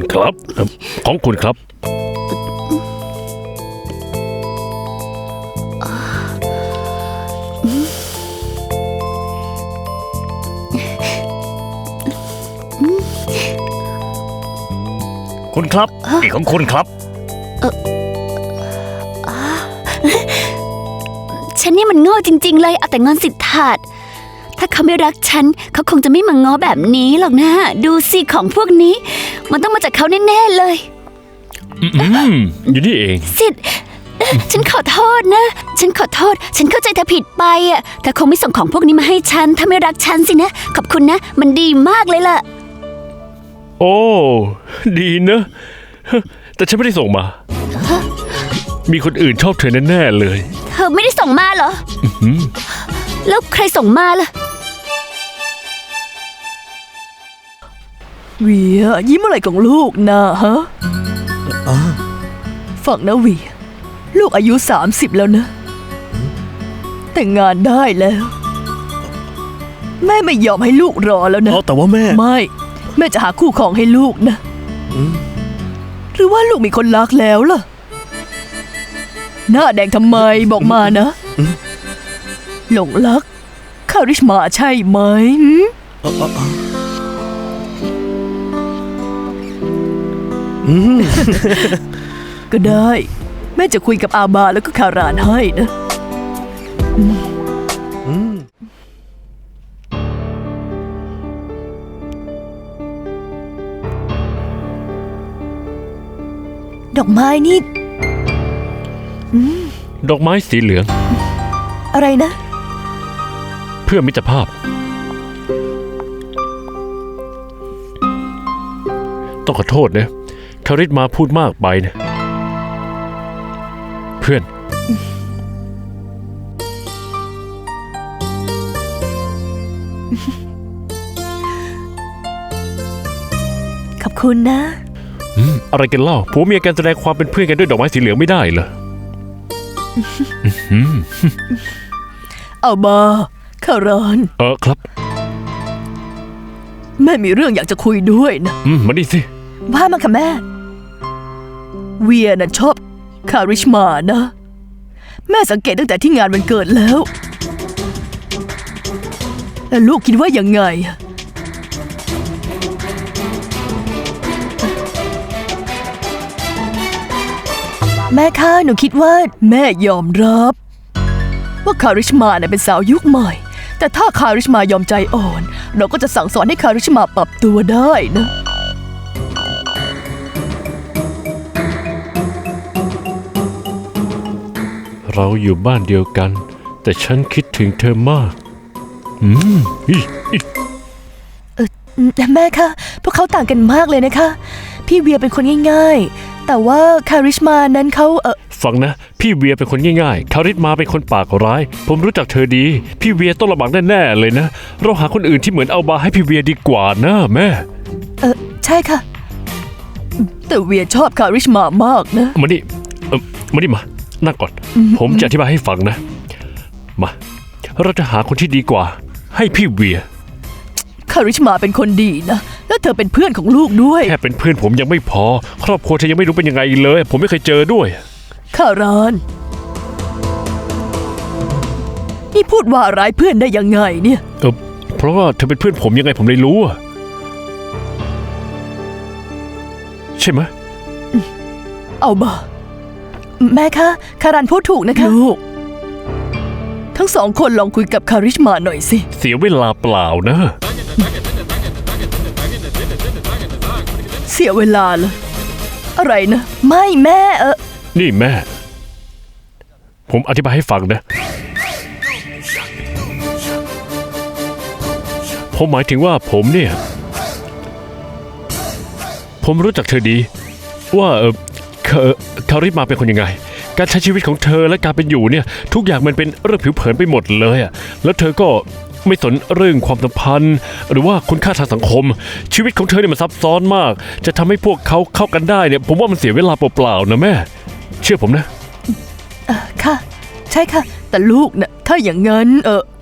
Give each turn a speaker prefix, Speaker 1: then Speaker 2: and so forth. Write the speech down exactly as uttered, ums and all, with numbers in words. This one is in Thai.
Speaker 1: ครับของคุณครับคุณครับนี่ของคุณครับ
Speaker 2: ฉันนี่มันโง่จริงๆเลยเอาแต่งอนสิทธาตถ้าเขาไม่รักฉันเขาคงจะไม่มาง้อแบบนี้หรอกนะดูสิของพวกนี้มันต้องมาจากเขาแน่ๆเลย
Speaker 1: อืมอยู่นี่เอง
Speaker 2: สิทธิ์ฉันขอโทษนะฉันขอโทษฉันเข้าใจเธอผิดไปอ่ะเธอคงไม่ส่งของพวกนี้มาให้ฉันถ้าไม่รักฉันสินะขอบคุณนะมันดีมากเลยล่ะ
Speaker 1: โอ้ดีนะแต่ฉันไม่ได้ส่งมามีคนอื่นชอบเธอแน่ๆเลย
Speaker 2: เธอไม่ได้ส่งมาเหรอแล้วใครส่งมาล่ะ
Speaker 3: เวียยิ้มอะไรของลูกนะฮะฟังนะเวียลูกอายุสามสิบแล้วนะแต่งงานได้แล้วแม่ไม่ยอมให้ลูกรอแล้วนะ
Speaker 4: แต่ว่าแม่
Speaker 3: ไม่แม่จะหาคู่ครองให้ลูกนะหรือว่าลูกมีคนรักแล้วล่ะหน้าแดงทำไมบอกมานะหลงรักคาริชมาใช่ไหมก็ได้แม่จะคุยกับอาบาแล้วก็คารานให้นะดอกไม้นี่
Speaker 1: ดอกไม้สีเหลือง
Speaker 3: อะไรนะ
Speaker 1: เพื่อมิตรภาพต้องขอโทษนะคาริสมาพูดมากไปนะเพื่อน
Speaker 3: ขอบคุณนะ
Speaker 1: อะไรกันเล่าผัวเมียกันแสดงความเป็นเพื่อนกันด้วยดอกไม้สีเหลืองไม่ได้เหรอ
Speaker 3: เอาบาคาราน
Speaker 1: เออครับ
Speaker 3: แม่มีเรื่องอยากจะคุยด้วยนะ
Speaker 1: อืมมาดิสิ
Speaker 3: ว่ามาค่ะแม่เวียน่ะชอบคาริชมานะแม่สังเกตตั้งแต่ที่งานวันเกิดแล้วแล้วลูกคิดว่ายังไงแม่คะหนูคิดว่าแม่ยอมรับว่าคาริชมาเนี่ยเป็นสาวยุคใหม่แต่ถ้าคาริชมายอมใจอ่อนเราก็จะสั่งสอนให้คาริชมาปรับตัวได้นะ
Speaker 1: เราอยู่บ้านเดียวกันแต่ฉันคิดถึงเธอมากอืม
Speaker 3: เออแม่คะพวกเขาต่างกันมากเลยนะคะพี่เวียเป็นคนง่ายๆแต่ว่าคาริชมานั้นเขาเออ
Speaker 1: ฟังนะพี่เวียเป็นคนง่ายๆคาริชมาเป็นคนปากร้ายผมรู้จักเธอดีพี่เวียต้องลำบากแน่ๆเลยนะเราหาคนอื่นที่เหมือนเอาบาให้พี่เวียดีกว่านะแม่
Speaker 3: เออใช่ค่ะแต่เวียชอบคาริชมามากนะ
Speaker 1: มาดิเออมาดิมานั่งก่อนผมจะอธิบายให้ฟังนะมาเราจะหาคนที่ดีกว่าให้พี่เวีย
Speaker 3: คาริชมาเป็นคนดีนะแล้วเธอเป็นเพื่อนของลูกด้วย
Speaker 1: แค่เป็นเพื่อนผมยังไม่พอครอบครัวเธอยังไม่รู้เป็นยังไงเลยผมไม่เคยเจอด้วย
Speaker 3: คารานนี่พูดว่าร้ายเพื่อนได้ยังไงเนี่ย
Speaker 1: เออเพราะว่าเธอเป็นเพื่อนผมยังไงผมเลยรู้อะใช่ไหม
Speaker 3: เอาบ่แม่คะคารานพูดถูกนะคะลูกทั้งสองคนลองคุยกับคาริชมาหน่อยสิ
Speaker 1: เสียเวลาเปล่านะ
Speaker 3: เสียเวลาเลยอะไรนะไม่แม่เออ
Speaker 1: นี่แม่ผมอธิบายให้ฟังนะผมหมายถึงว่าผมเนี่ยผมรู้จักเธอดีว่าเออคาริสมาเป็นคนยังไงการใช้ชีวิตของเธอและการเป็นอยู่เนี่ยทุกอย่างมันเป็นเรื่องผิวเผินไปหมดเลยอ่ะแล้วเธอก็ไม่สนเรื่องความสัมพันธ์หรือว่าคุณค่าทางสังคมชีวิตของเธอเนี่ยมันซับซ้อนมากจะทำให้พวกเขาเข้ากันได้เนี่ยผมว่ามันเสียเวลาเปล่าๆนะแม่เชื่อผมนะ
Speaker 3: ค่ะใช่ค่ะแต่ลูกนะถ้าอย่างนั้นเออ